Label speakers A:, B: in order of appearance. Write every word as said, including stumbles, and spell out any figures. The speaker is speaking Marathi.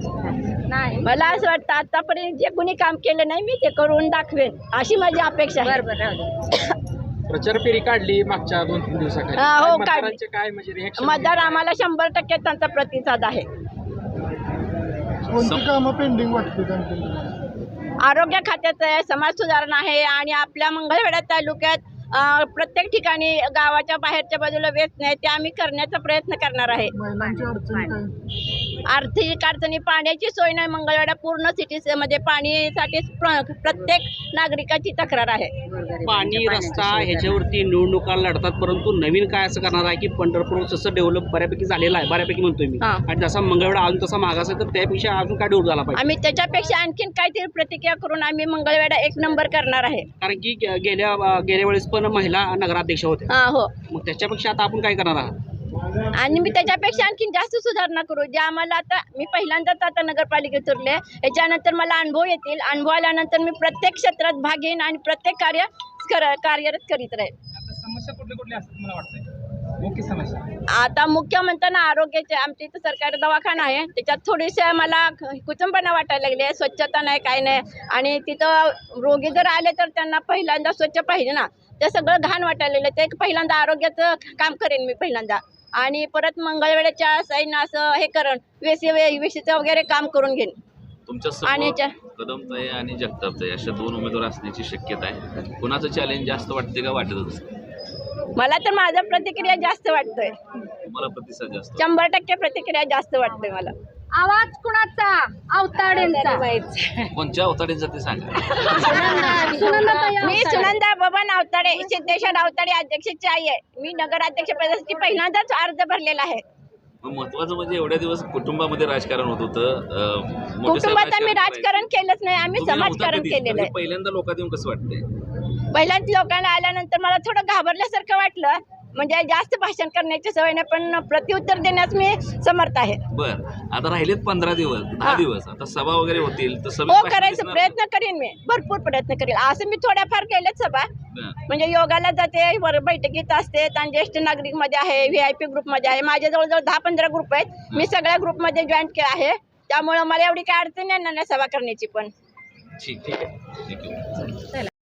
A: नाही
B: मला असं वाटतं आतापर्यंत जे कोणी काम केलं नाही मी ते करून दाखवेन अशी माझी अपेक्षा आहे.
C: प्रचार फेरी काढली मागच्या दोन तीन दिवसाखाली.
B: हा, हो,
C: काय
B: काढली.
C: मतदारांचे काय म्हणजे रिएक्शन?
B: मतदार आम्हाला शंभर टक्के त्यांचा प्रतिसाद आहे.
D: कोणती कामं पेंडिंग वाटते त्यांची?
B: आरोग्य खात्याचं आहे, समाज सुधारणा आहे आणि आपल्या मंगळवेढा तालुक्यात अं, प्रत्येक ठिकाणी गावाच्या बाहेरच्या बाजूला वेचणे आहे ते आम्ही करण्याचा प्रयत्न करणार आहे.
D: महिलांची अडचणी काय?
B: आर्थिक अडचणी, पाण्याची सोय नाही मंगळवेढा पूर्ण सिटी मध्ये पाणीसाठी प्र- प्रत्येक नागरिकाची तक्रार आहे.
E: पाणी रस्ता ह्याच्यावरती निवडणुका लढतात, परंतु नवीन काय असं करणार आहे की पंढरपूर जसं डेव्हलप बऱ्यापैकी झालेलं आहे, बऱ्यापैकी म्हणतोय मी,
B: हा.
E: आणि जसा मंगळवेढा अजून तसा मागास आहे तर त्यापेक्षा अजून काय डेव्हलप झाला पाहिजे.
B: आम्ही त्याच्यापेक्षा आणखीन काहीतरी प्रतिक्रिया करून आम्ही मंगळवेढा एक नंबर करणार आहे.
E: कारण की गे- गेल्या गेल्या वेळेस पण महिला नगराध्यक्ष होत्या,
B: हा, हो.
E: मग त्याच्यापेक्षा आता आपण काय करणार आहात?
B: आणि मी त्याच्यापेक्षा आणखीन जास्त सुधारणा करू. जे आम्हाला आता मी पहिल्यांदाच आता नगरपालिकेत उरले, याच्यानंतर मला अनुभव येतील. अनुभव आल्यानंतर मी प्रत्येक क्षेत्रात भाग घेईन आणि प्रत्येक कार्य कर- कार्यरत करीत राहील.
C: आता समस्या कुठल्या कुठल्या असतात मला वाटतंय मुख्य समस्या?
B: आता मुख्य म्हणताना आरोग्याचे आमच्या इथं सरकारी दवाखाना आहे, त्याच्यात थोडीशी मला कुचंबना वाटायला लागली आहे. स्वच्छता नाही, काय नाही. आणि तिथं रोगी जर आले तर त्यांना पहिल्यांदा स्वच्छ पाहिजे ना, ते सगळं घाण वाटायला लागलं. ते पहिल्यांदा आरोग्याचं काम करेन मी पहिल्यांदा. आणि परत मंगळवेढ्याच्या साईडनं असं हे करण वेसी वेशीचं वगैरे काम करून घेईन.
F: तुमच्या
B: आणि
F: समोर कदमताई आणि जगतापताई अशा दोन उमेदवार असण्याची शक्यता आहे. कुणाचं चॅलेंज जास्त वाटते का वाटतच?
B: मला तर माझा प्रतिक्रिया जास्त वाटतोय,
F: तुम्हाला प्रतिसाद जास्त?
B: शंभर टक्के प्रतिक्रिया जास्त वाटतोय मला.
A: आवाज कुणाचा? अवताडेंचा.
F: कोणत्या अवताडींचा ते सांगा.
B: मी सुनंदा बबन अवताडे, सिद्धेश्वर अवताडे अध्यक्षाची आई आहे. मी नगराध्यक्ष पदासाठी पहिल्यांदाच अर्ज भरलेला आहे.
F: मग महत्वाचं म्हणजे एवढ्या दिवस कुटुंबामध्ये राजकारण होत होतं. अं, मोठे साहेब
B: कुटुंबात आम्ही
F: करायचे.
B: राजकारण केलंच नाही, आम्ही
F: तुम्ही नव्हता
B: समाजकारण
F: कधीच.
B: केलेलं
F: म्हणजे
B: आहे.
F: पहिल्यांदा लोकात येऊन कसं वाटतंय?
B: पहिल्याच लोकांना आल्यानंतर मला थोडं घाबरल्यासारखं वाटलं. म्हणजे जास्त भाषण करण्याची सवय नाही, पण प्रत्युत्तर देण्यास मी समर्थ आहे.
F: बर, आता राहिलेत पंधरा दिवस दहा
B: हा.
F: दिवस आता सभा वगैरे होतील तर
B: हो,
F: सभेत भाषण
B: करायचा
F: दिसणार?
B: प्रयत्न करीन मी, भरपूर प्रयत्न करेन. असं मी थोड्याफार केल्याच सभा.
F: बरं.
B: म्हणजे योगाला जाते, वर बैठकीत असते, आणि ज्येष्ठ नागरिक मध्ये आहे, व्ही आय पी ग्रुपमध्ये आहे. माझ्या जवळजवळ दहा पंधरा ग्रुप आहेत. मी सगळ्या ग्रुपमध्ये जॉईन के आहे, त्यामुळे मला एवढी काय अडचण येणार नाही सभा करण्याची पण.
F: ठीक आहे, ठीक आहे.